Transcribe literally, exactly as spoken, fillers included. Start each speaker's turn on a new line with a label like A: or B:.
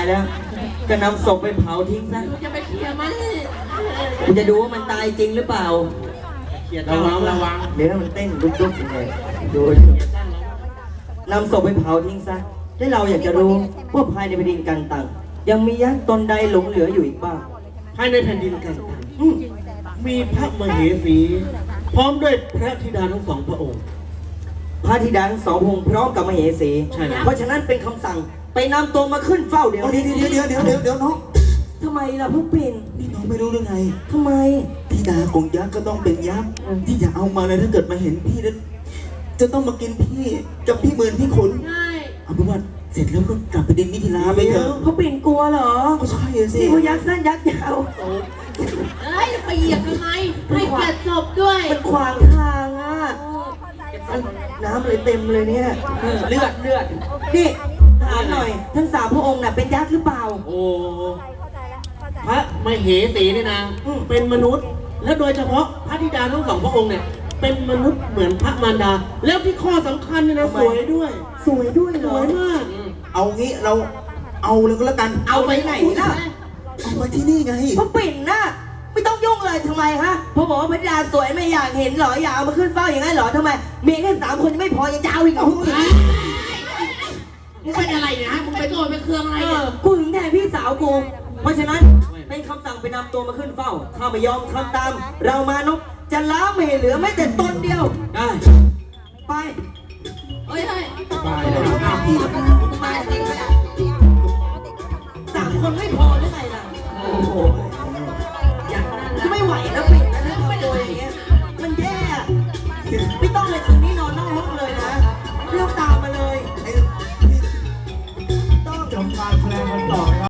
A: แล้วก็นำศพไปเผาทิ้งซะ
B: จะไปเคลียร์มัน
A: กูจะดูว่ามันตายจริงหรือเปล่า
B: ระวังระวัง
A: เดี๋ยวมันเต้นลุกๆเลยดูนำศพไปเผาทิ้งซะและเราอยากจะรู้ว่าภายในแผ่นดินกันตังยังมียักษ์ตนใดหลงเหลืออยู่อีกบ้าง
C: ภายในแผ่นดินกันตัง
A: อืม
C: มีพระมเหสี พร้อมด้วยพระธิดาทั้งสองพระองค์
A: พระธิดาทั้งสองพระองค์พร้อมกับมเหสี
C: ใช่แล้ว
A: เพราะฉะนั้นเป็นคำสั่งไปนำตัวมาขึ้นเฝ้าเดี๋ยว
D: เดี๋ยว
A: นี้
D: เดี๋ยวเดี๋ยวเดี๋ยวเดี๋ยวเดี๋ยวน้อง
A: ทำไมล่ะเพิ่งเป็น
D: นี่น้องไม่รู้หรือไง
A: ทำไม
D: ธิดาของยักษ์ก็ต้องเป็นยักษ์ที่จะเอามาเลยถ้าเกิดมาเห็นพี่แล้วจะต้องมากินพี่กับพี่หมื่นพี่ขุน
B: ใช่
D: เอาเป็นว่าเสร็จแล้วก็กลับไปดินมิถิลาไปเถอะ
A: เขาเป็นกลัวเหรอ
D: ก็ใช่อะสิ
A: นี่เขายักษ์สั้นยักษ์ยาว
B: เอ้ยจะไปเหยียบทำไมให้เกียรติศพด้วย
A: มันขวางทางอ่ะน้ำเลยเต็มเลยเนี่ย
B: เลือดเลือด
A: นี่ถามหน่อย ทั้งสามพระองค์น่ะเป็นยักษ์หรือเปล่า
C: โอ้พระมเหสีเนี่ยนะ
A: อืม
C: เป็นมนุษย์ และโดยเฉพาะพระธิดาทั้งสองพระองค์เนี่ย เป็นมนุษย์เหมือนพระมารดา แล้วที่ข้อสำคัญเนี่ยนะสวยด้วย
A: สวยด้วยเห
C: ส
A: รอ
C: วยมาก
D: เอางี้เราเอาเลยก็แล้วกัน
A: เอาไปไหนล่ะ
D: เอามาที่นี่ไง
A: พระปิ่นน่ะไม่ต้องยุ่งเลยทำไมฮะเพราะบอกว่าพระดาสวยไม่อยากเห็นเหรออยากเอามาขึ้นเฝ้าอย่างนั้นเหรอทำไมเมียแค่สามคนยังไม่พอยังจะเอาอีกเหรอ
B: มึงเป็นอะไรเนี่ยฮะมึงไปโกรธไปเคืองอะไร
A: เอ
B: เนี่
A: อย กูถึงแทนพี่สาวกูเพราะฉะนั้นเป็นคำสั่งไปนำตัวมาขึ้นเฝ้าถ้าไม่ยอมทำตาม เรามานพจะล้างไม่ให้เหลือแม้แต่ตนเดียว
C: ได้
A: ไป
B: เฮ้ยเฮ้ย
D: ตายแล้วอ้าวพี่
B: มาจริงไหมอ่ะ
A: สามคนไม่พอหรือไงล่ะ
D: โอ้โห
B: อย่างนั้น
A: จะไม่ไหวแล้วปิ่นนะถ้าทำตัวอย่างเงี้ยมันแย่ไม่ต้องเลยคืนนี้นอนนอกห้องเลยนะเรียกตามมาเลย
D: ไอ้
A: ต้อง
D: จำการแสดงกันต่อครับ